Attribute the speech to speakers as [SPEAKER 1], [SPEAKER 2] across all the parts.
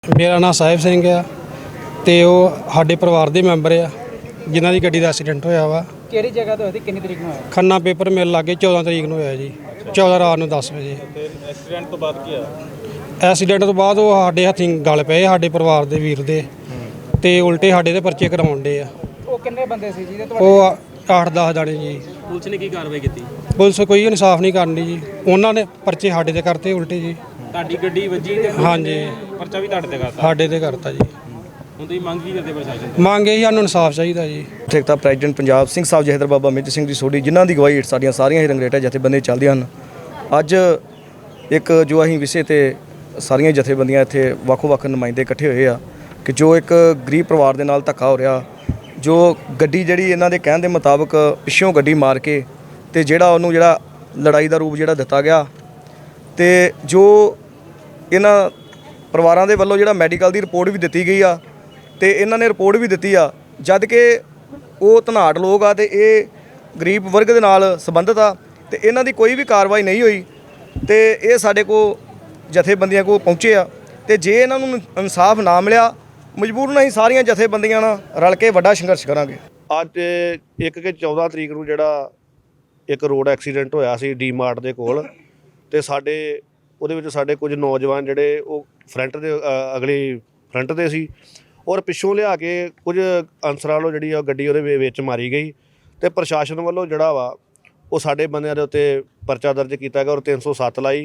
[SPEAKER 1] ਮੇਰਾ ਨਾਮ ਸਾਹਿਬ ਸਿੰਘ ਆ ਤੇ ਉਹ ਸਾਡੇ ਪਰਿਵਾਰ ਦੇ ਮੈਂਬਰ ਆ ਜਿਨ੍ਹਾਂ ਦੀ ਗੱਡੀ ਦਾ ਐਕਸੀਡੈਂਟ ਹੋਇਆ ਵਾ।
[SPEAKER 2] ਕਿਹੜੀ ਜਗ੍ਹਾ ਤੇ ਹੋਇਆ ਸੀ, ਕਿੰਨੀ ਤਰੀਕ ਨੂੰ ਹੋਇਆ?
[SPEAKER 1] ਖੰਨਾ ਪੇਪਰ ਮਿਲ ਲਾਗੇ 14 ਤਰੀਕ ਨੂੰ ਹੋਇਆ ਜੀ। 14 ਰਾਤ ਨੂੰ 10 ਵਜੇ।
[SPEAKER 3] ਐਕਸੀਡੈਂਟ ਤੋਂ ਬਾਅਦ ਕੀ ਆ?
[SPEAKER 1] ਐਕਸੀਡੈਂਟ ਤੋਂ ਬਾਅਦ ਉਹ ਸਾਡੇ ਹੱਥੀਂ ਗਲ ਪਏ ਸਾਡੇ ਪਰਿਵਾਰ ਦੇ ਵੀਰ ਦੇ ਤੇ ਉਲਟੇ ਸਾਡੇ ਦੇ ਪਰਚੇ ਕਰਾਉਣ ਡੇ ਆ।
[SPEAKER 2] ਉਹ ਕਿੰਨੇ ਬੰਦੇ ਸੀ ਜੀ?
[SPEAKER 1] ਉਹ 8-10 ਜਾਣੇ ਜੀ।
[SPEAKER 3] ਪੁਲਿਸ ਨੇ ਕੀ ਕਾਰਵਾਈ ਕੀਤੀ?
[SPEAKER 1] ਪੁਲਿਸ ਕੋਈ ਇਨਸਾਫ ਨਹੀਂ ਕਰਨੀ ਜੀ। ਉਹਨਾਂ ਨੇ ਪਰਚੇ ਸਾਡੇ ਤੇ ਕਰਤੇ ਉਲਟੇ ਜੀ।
[SPEAKER 3] ਤੁਹਾਡੀ ਗੱਡੀ ਵੱਜੀ ਤੇ
[SPEAKER 1] ਹਾਂਜੀ,
[SPEAKER 3] ਪਰਚਾ ਵੀ ਤੁਹਾਡੇ ਤੇ ਕਰਤਾ।
[SPEAKER 1] ਸਾਡੇ ਤੇ ਕਰਤਾ ਜੀ।
[SPEAKER 3] ਹੁਣ ਤੁਸੀਂ ਮੰਗ ਕੀ ਕਰਦੇ ਪ੍ਰਸ਼ਾਸਨ ਤੋਂ?
[SPEAKER 1] ਮੰਗੇ ਜੀ ਸਾਨੂੰ ਇਨਸਾਫ ਚਾਹੀਦਾ ਜੀ।
[SPEAKER 4] ਠੇਕੇਦਾਰ ਪ੍ਰੈਜ਼ੀਡੈਂਟ ਪੰਜਾਬ ਸਿੰਘ ਸਾਹਿਬ ਜਹੇਦਾਰ ਬਾਬਾ ਮੇਜਰ ਸਿੰਘ ਦੀ ਸੋਢੀ ਜਿਨ੍ਹਾਂ ਦੀ ਗਵਾਹੀ ਹੇਠ ਸਾਡੀਆਂ ਸਾਰੀਆਂ ਹੀ ਰੰਗਰੇਟਾ ਜਥੇਬੰਦੀਆਂ ਚੱਲਦੀਆਂ ਹਨ। ਅੱਜ ਇੱਕ ਜੋ ਅਸੀਂ ਵਿਸ਼ੇ ਤੇ ਸਾਰੀਆਂ ਜਥੇਬੰਦੀਆਂ ਇੱਥੇ ਵੱਖ-ਵੱਖ ਨੁਮਾਇੰਦੇ ਇਕੱਠੇ ਹੋਏ ਆ ਕਿ ਜੋ ਇੱਕ ਗਰੀਬ ਪਰਿਵਾਰ ਦੇ ਨਾਲ ਧੱਕਾ ਹੋ ਰਿਹਾ, ਜੋ ਗੱਡੀ ਜਿਹੜੀ ਇਹਨਾਂ ਦੇ ਕਹਿਣ ਦੇ ਮੁਤਾਬਕ ਪਿੱਛੋਂ ਗੱਡੀ ਮਾਰ ਕੇ ਤੇ ਉਹਨੂੰ ਲੜਾਈ ਦਾ ਰੂਪ ਦਿੱਤਾ ਗਿਆ ਤੇ ਜੋ ਇਹਨਾਂ ਪਰਿਵਾਰਾਂ ਦੇ ਵੱਲੋਂ ਮੈਡੀਕਲ ਦੀ ਰਿਪੋਰਟ ਵੀ ਦਿੱਤੀ ਗਈ ਆ ਤੇ ਇਹਨਾਂ ਨੇ ਰਿਪੋਰਟ ਵੀ ਦਿੱਤੀ ਆ ਜਦ ਕਿ ਉਹ ਧਨਾੜ ਲੋਕ ਆ ਤੇ ਇਹ ਗਰੀਬ ਵਰਗ ਦੇ ਨਾਲ ਸੰਬੰਧਿਤ ਆ ਤੇ ਇਹਨਾਂ ਦੀ ਕੋਈ ਵੀ ਕਾਰਵਾਈ ਨਹੀਂ ਹੋਈ ਤੇ ਇਹ ਸਾਡੇ ਕੋਲ ਜਥੇਬੰਦੀਆਂ ਕੋਲ ਪਹੁੰਚੇ ਆ ਤੇ ਜੇ ਇਹਨਾਂ ਨੂੰ ਇਨਸਾਫ ਨਾ ਮਿਲਿਆ ਮਜਬੂਰਨ ਅਸੀਂ ਸਾਰੀਆਂ ਜਥੇਬੰਦੀਆਂ ਨਾਲ ਰਲ ਕੇ ਵੱਡਾ ਸੰਘਰਸ਼ ਕਰਾਂਗੇ।
[SPEAKER 5] ਅੱਜ 14 ਤਰੀਕ ਨੂੰ ਇੱਕ ਰੋਡ ਐਕਸੀਡੈਂਟ ਹੋਇਆ ਸੀ ਡੀ ਮਾਰਟ ਦੇ ਕੋਲ ਤੇ ਉਹਦੇ ਵਿੱਚ ਸਾਡੇ ਕੁਝ ਨੌਜਵਾਨ ਉਹ ਫਰੰਟ ਦੇ ਅਗਲੀ ਫਰੰਟ ਤੇ ਸੀ ਔਰ ਪਿੱਛੋਂ ਲਿਆ ਕੇ ਕੁਝ ਅਨਸਰਾਂ ਵੱਲੋਂ ਗੱਡੀ ਉਹਦੇ ਵਿੱਚ ਮਾਰੀ ਗਈ ਤੇ ਪ੍ਰਸ਼ਾਸਨ ਵੱਲੋਂ ਉਹ ਸਾਡੇ ਬੰਦਿਆਂ ਦੇ ਉੱਤੇ ਪਰਚਾ ਦਰਜ ਕੀਤਾ ਗਿਆ ਔਰ 307 ਲਾਈ।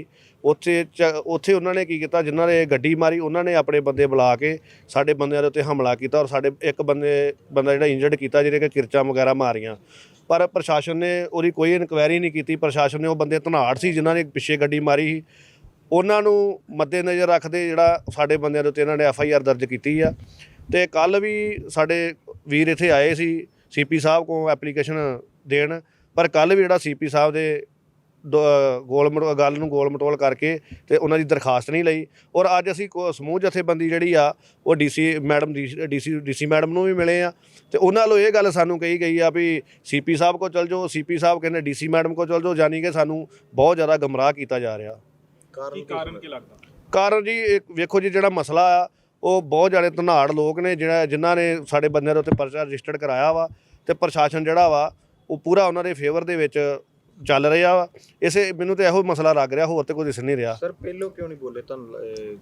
[SPEAKER 5] ਉੱਥੇ ਉਹਨਾਂ ਨੇ ਕੀ ਕੀਤਾ, ਜਿਨ੍ਹਾਂ ਨੇ ਗੱਡੀ ਮਾਰੀ ਉਹਨਾਂ ਨੇ ਆਪਣੇ ਬੰਦੇ ਬੁਲਾ ਕੇ ਸਾਡੇ ਬੰਦਿਆਂ ਦੇ ਉੱਤੇ ਹਮਲਾ ਕੀਤਾ ਔਰ ਸਾਡੇ ਇੱਕ ਬੰਦਾ ਇੰਜਰਡ ਕੀਤਾ, ਜਿਹਦੇ ਕਿ ਕਿਰਚਾਂ ਵਗੈਰਾ ਮਾਰੀਆਂ। ਪਰ ਪ੍ਰਸ਼ਾਸਨ ਨੇ ਉਹਦੀ ਕੋਈ ਇਨਕੁਆਇਰੀ ਨਹੀਂ ਕੀਤੀ। ਪ੍ਰਸ਼ਾਸਨ ਨੇ ਉਹ ਬੰਦੇ ਧਨਾੜ ਸੀ ਜਿਨ੍ਹਾਂ ਨੇ ਪਿੱਛੇ ਗੱਡੀ ਮਾਰੀ ਸੀ ਉਹਨਾਂ ਨੂੰ ਮੱਦੇਨਜ਼ਰ ਰੱਖਦੇ ਸਾਡੇ ਬੰਦਿਆਂ ਦੇ ਉੱਤੇ ਇਹਨਾਂ ਨੇ FIR ਦਰਜ ਕੀਤੀ ਆ। ਤੇ ਕੱਲ੍ਹ ਵੀ ਸਾਡੇ ਵੀਰ ਇੱਥੇ ਆਏ ਸੀ CP ਸਾਹਿਬ ਕੋਲ ਐਪਲੀਕੇਸ਼ਨ ਦੇਣ, ਪਰ ਕੱਲ੍ਹ ਵੀ CP ਸਾਹਿਬ ਦੇ ਗੱਲ ਨੂੰ ਗੋਲ ਮਟੋਲ ਕਰਕੇ ਤੇ ਉਹਨਾਂ ਦੀ ਦਰਖਾਸਤ ਨਹੀਂ ਲਈ ਔਰ ਅੱਜ ਅਸੀਂ ਸਮੂਹ ਜਥੇਬੰਦੀ ਉਹ DC ਮੈਡਮ ਨੂੰ ਵੀ ਮਿਲੇ ਆ ਤੇ ਉਹਨਾਂ ਵੱਲੋਂ ਇਹ ਗੱਲ ਸਾਨੂੰ ਕਹੀ ਗਈ ਆ ਵੀ CP ਸਾਹਿਬ ਕੋਲ ਚਲ ਜਾਓ। CP ਸਾਹਿਬ ਕਹਿੰਦੇ DC ਮੈਡਮ ਕੋਲ ਚਲ ਜਾਓ, ਯਾਨੀ ਕਿ ਸਾਨੂੰ ਬਹੁਤ ਜ਼ਿਆਦਾ ਗੁੰਮਰਾਹ ਕੀਤਾ ਜਾ ਰਿਹਾ।
[SPEAKER 3] ਕਾਰਨ ਕੀ ਲੱਗਦਾ?
[SPEAKER 5] ਕਾਰਨ ਜੀ ਵੇਖੋ ਜੀ, ਮਸਲਾ ਆ ਉਹ ਬਹੁਤ ਜ਼ਿਆਦਾ ਧਨਾੜ ਲੋਕ ਨੇ ਜਿਨ੍ਹਾਂ ਨੇ ਸਾਡੇ ਬੰਦਿਆਂ ਦੇ ਉੱਤੇ ਪਰਚਾ ਰਜਿਸਟਰਡ ਕਰਾਇਆ ਵਾ ਤੇ ਪ੍ਰਸ਼ਾਸਨ ਉਹ ਪੂਰਾ ਉਹਨਾਂ ਦੇ ਫੇਵਰ ਦੇ ਵਿੱਚ ਚੱਲ ਰਿਹਾ ਵਾ। ਮੈਨੂੰ ਤਾਂ ਇਹੋ ਮਸਲਾ ਲੱਗ ਰਿਹਾ, ਹੋਰ ਤੇ ਕੋਈ ਦਿਸ ਨਹੀਂ ਰਿਹਾ।
[SPEAKER 6] ਸਰ ਪਹਿਲੋਂ ਕਿਉਂ ਨਹੀਂ ਬੋਲੇ? ਤੁਹਾਨੂੰ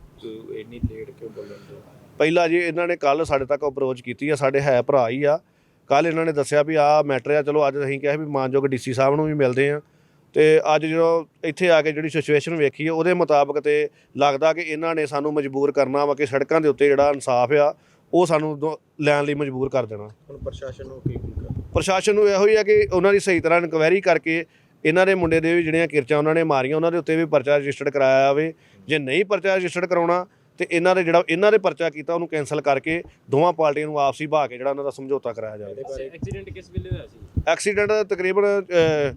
[SPEAKER 6] ਇੰਨੀ ਲੇਟ ਕਿਉਂ ਬੋਲਣ?
[SPEAKER 5] ਪਹਿਲਾਂ ਜੀ ਇਹਨਾਂ ਨੇ ਕੱਲ੍ਹ ਸਾਡੇ ਤੱਕ ਅਪਰੋਚ ਕੀਤੀ ਆ, ਸਾਡੇ ਹੈ ਭਰਾ ਹੀ ਆ। ਕੱਲ੍ਹ ਇਹਨਾਂ ਨੇ ਦੱਸਿਆ ਵੀ ਆਹ ਮੈਟਰ ਆ। ਚਲੋ ਅੱਜ ਅਸੀਂ ਕਿਹਾ ਵੀ ਮਾਨਯੋਗ DC ਸਾਹਿਬ ਨੂੰ ਵੀ ਮਿਲਦੇ ਆ ਤੇ ਅੱਜ ਇੱਥੇ ਆ ਕੇ ਸਿਚੁਏਸ਼ਨ ਵੇਖੀ ਉਹਦੇ ਮੁਤਾਬਕ ਤੇ ਲੱਗਦਾ ਕਿ ਇਹਨਾਂ ਨੇ ਸਾਨੂੰ ਮਜਬੂਰ ਕਰਨਾ ਵਾ ਕਿ ਸੜਕਾਂ ਦੇ ਉੱਤੇ ਇਨਸਾਫ ਆ ਉਹ ਸਾਨੂੰ ਲੈਣ ਲਈ ਮਜਬੂਰ ਕਰ ਦੇਣਾ।
[SPEAKER 6] ਹੁਣ ਪ੍ਰਸ਼ਾਸਨ ਨੂੰ ਕੀ ਕਰਨਾ?
[SPEAKER 5] ਪ੍ਰਸ਼ਾਸਨ ਨੂੰ ਇਹੋ ਹੀ ਆ ਕਿ ਉਹਨਾਂ ਦੀ ਸਹੀ ਤਰ੍ਹਾਂ ਇਨਕੁਆਇਰੀ ਕਰਕੇ ਇਹਨਾਂ ਦੇ ਮੁੰਡੇ ਦੇ ਵੀ ਜਿਹੜੀਆਂ ਕਿਰਚਾਂ ਉਹਨਾਂ ਨੇ ਮਾਰੀਆਂ ਉਹਨਾਂ ਦੇ ਉੱਤੇ ਵੀ ਪਰਚਾ ਰਜਿਸਟਰਡ ਕਰਾਇਆ ਜਾਵੇ। ਜੇ ਨਹੀਂ ਪਰਚਾ ਰਜਿਸਟਰਡ ਕਰਾਉਣਾ ਤੇ ਇਹਨਾਂ ਦੇ ਪਰਚਾ ਕੀਤਾ ਉਹਨੂੰ ਕੈਂਸਲ ਕਰਕੇ ਦੋਵਾਂ ਪਾਰਟੀਆਂ ਨੂੰ ਆਪਸੀ ਬਹਾ ਕੇ ਉਹਨਾਂ ਦਾ ਸਮਝੌਤਾ ਕਰਾਇਆ ਜਾਵੇ।
[SPEAKER 3] ਐਕਸੀਡੈਂਟ ਕਿਸ ਵੇਲੇ ਹੋਇਆ ਸੀ?
[SPEAKER 5] ਐਕਸੀਡੈਂਟ ਤਕਰੀਬਨ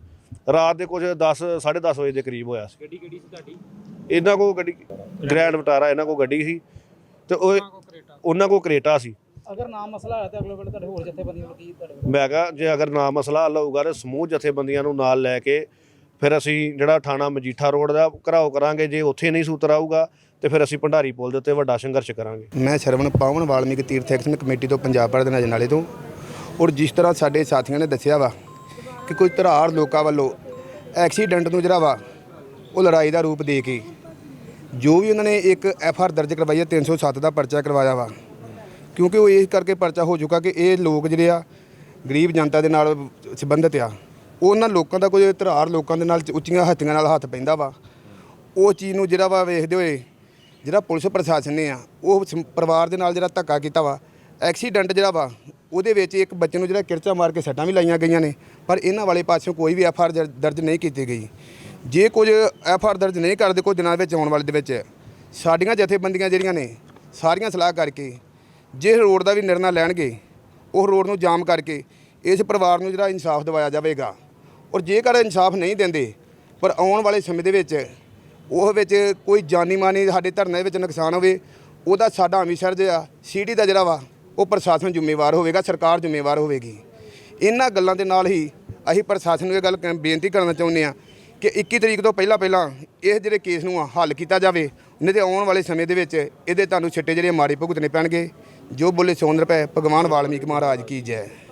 [SPEAKER 5] ਰਾਤ ਦੇ ਕੁਝ 10-10:30 ਵਜੇ ਦੇ ਕਰੀਬ ਹੋਇਆ ਸੀ।
[SPEAKER 3] ਗੱਡੀ ਕਿਹੜੀ ਸੀ ਤੁਹਾਡੀ?
[SPEAKER 5] ਇਹਨਾਂ ਕੋਲ ਗੱਡੀ ਗ੍ਰੈਂਡ ਵਿਟਾਰਾ ਇਹਨਾਂ ਕੋਲ ਗੱਡੀ ਸੀ ਤੇ ਉਹਨਾਂ ਕੋਲ ਕਰੇਟਾ ਸੀ।
[SPEAKER 2] ਅਗਰ ਨਾ ਮਸਲਾ ਹੋਇਆ ਤਾਂ ਅਗਲੇ ਵੇਲੇ ਤੁਹਾਡੇ ਹੋਰ ਜਥੇਬੰਦੀਆਂ ਨੂੰ ਕੀ
[SPEAKER 5] ਮੈਂ ਕਿਹਾ ਜੇ ਅਗਰ ਨਾ ਮਸਲਾ ਹੱਲ ਹੋਊਗਾ ਤਾਂ ਸਮੂਹ ਜਥੇਬੰਦੀਆਂ ਨੂੰ ਨਾਲ ਲੈ ਕੇ ਫਿਰ ਅਸੀਂ ਥਾਣਾ ਮਜੀਠਾ ਰੋਡ ਦਾ ਘਰਾਓ ਕਰਾਂਗੇ। ਜੇ ਉੱਥੇ ਨਹੀਂ ਸੂਤਰ ਆਊਗਾ ਤੇ ਫਿਰ ਅਸੀਂ ਭੰਡਾਰੀ ਪੁਲ ਦੇ ਉੱਤੇ ਵੱਡਾ ਸੰਘਰਸ਼ ਕਰਾਂਗੇ।
[SPEAKER 7] ਮੈਂ ਸ਼ਰਵਣ ਪਾਵਨ ਵਾਲਮੀਕ ਤੀਰਥ ਐਕਸ਼ਨ ਕਮੇਟੀ ਤੋਂ ਪੰਜਾਬ ਭਰ ਦੇ ਅਜਨਾਲੇ ਤੋਂ। ਔਰ ਜਿਸ ਤਰ੍ਹਾਂ ਸਾਡੇ ਸਾਥੀਆਂ ਨੇ ਦੱਸਿਆ ਵਾ ਕਿ ਕੋਈ ਧਰਾੜ ਲੋਕਾਂ ਵੱਲੋਂ ਐਕਸੀਡੈਂਟ ਨੂੰ ਉਹ ਲੜਾਈ ਦਾ ਰੂਪ ਦੇ ਕੇ ਜੋ ਵੀ ਉਹਨਾਂ ਨੇ ਇੱਕ FIR ਦਰਜ ਕਰਵਾਈ ਹੈ 307 ਦਾ ਪਰਚਾ ਕਰਵਾਇਆ ਵਾ, ਕਿਉਂਕਿ ਉਹ ਇਸ ਕਰਕੇ ਪਰਚਾ ਹੋ ਚੁੱਕਾ ਕਿ ਇਹ ਲੋਕ ਗਰੀਬ ਜਨਤਾ ਦੇ ਨਾਲ ਸੰਬੰਧਿਤ ਆ। ਉਹਨਾਂ ਲੋਕਾਂ ਦਾ ਕੋਈ ਧਰਾੜ ਲੋਕਾਂ ਦੇ ਨਾਲ ਉੱਚੀਆਂ ਹੱਥੀਆਂ ਨਾਲ ਹੱਥ ਪੈਂਦਾ ਵਾ। ਉਹ ਚੀਜ਼ ਨੂੰ ਵੇਖਦੇ ਹੋਏ ਪੁਲਿਸ ਪ੍ਰਸ਼ਾਸਨ ਨੇ ਉਹ ਪਰਿਵਾਰ ਦੇ ਨਾਲ ਧੱਕਾ ਕੀਤਾ ਵਾ। ਐਕਸੀਡੈਂਟ ਉਹਦੇ ਵਿੱਚ ਇੱਕ ਬੱਚੇ ਨੂੰ ਕਿਰਚਾ ਮਾਰ ਕੇ ਸੱਟਾਂ ਵੀ ਲਾਈਆਂ ਗਈਆਂ ਨੇ, ਪਰ ਇਹਨਾਂ ਵਾਲੇ ਪਾਸਿਓਂ ਕੋਈ ਵੀ FIR ਦਰਜ ਨਹੀਂ ਕੀਤੀ ਗਈ। ਜੇ ਕੁਝ FIR ਦਰਜ ਨਹੀਂ ਕਰਦੇ ਕੁਝ ਦਿਨਾਂ ਵਿੱਚ ਆਉਣ ਵਾਲੇ ਦੇ ਵਿੱਚ ਸਾਡੀਆਂ ਜਥੇਬੰਦੀਆਂ ਨੇ ਸਾਰੀਆਂ ਸਲਾਹ ਕਰਕੇ ਜੇ ਰੋਡ ਦਾ ਵੀ ਨਿਰਣਾ ਲੈਣਗੇ ਉਹ ਰੋਡ ਨੂੰ ਜਾਮ ਕਰਕੇ ਇਸ ਪਰਿਵਾਰ ਨੂੰ ਇਨਸਾਫ ਦਿਵਾਇਆ ਜਾਵੇਗਾ। ਔਰ ਜੇਕਰ ਇਨਸਾਫ ਨਹੀਂ ਦਿੰਦੇ ਪਰ ਆਉਣ ਵਾਲੇ ਸਮੇਂ ਦੇ ਵਿੱਚ ਕੋਈ ਜਾਨੀ ਮਾਨੀ ਸਾਡੇ ਧਰਨੇ ਵਿੱਚ ਨੁਕਸਾਨ ਹੋਵੇ ਉਹਦਾ ਸਾਡਾ ਅੰਮ੍ਰਿਤਸਰ ਸਿਟੀ ਦਾ ਉਹ ਪ੍ਰਸ਼ਾਸਨ ਜ਼ਿੰਮੇਵਾਰ ਹੋਵੇਗਾ, ਸਰਕਾਰ ਜ਼ਿੰਮੇਵਾਰ ਹੋਵੇਗੀ। ਇਹਨਾਂ ਗੱਲਾਂ ਦੇ ਨਾਲ ਹੀ ਅਸੀਂ ਪ੍ਰਸ਼ਾਸਨ ਨੂੰ ਇਹ ਗੱਲ ਬੇਨਤੀ ਕਰਨਾ ਚਾਹੁੰਦੇ ਹਾਂ ਕਿ 21 ਤਰੀਕ ਤੋਂ ਪਹਿਲਾਂ ਇਹ ਜਿਹੜੇ ਕੇਸ ਨੂੰ ਹੱਲ ਕੀਤਾ ਜਾਵੇ, ਨਹੀਂ ਤੇ ਆਉਣ ਵਾਲੇ ਸਮੇਂ ਦੇ ਵਿੱਚ ਇਹਦੇ ਤੁਹਾਨੂੰ ਛਿੱਟੇ ਜਿਹੜੇ ਮਾੜੇ ਭੁਗਤਣੇ ਪੈਣਗੇ। ਜੋ ਬੋਲੇ ਸੋਨ ਰੁਪਏ, ਭਗਵਾਨ ਵਾਲਮੀਕ ਮਹਾਰਾਜ ਕੀ ਜੈ।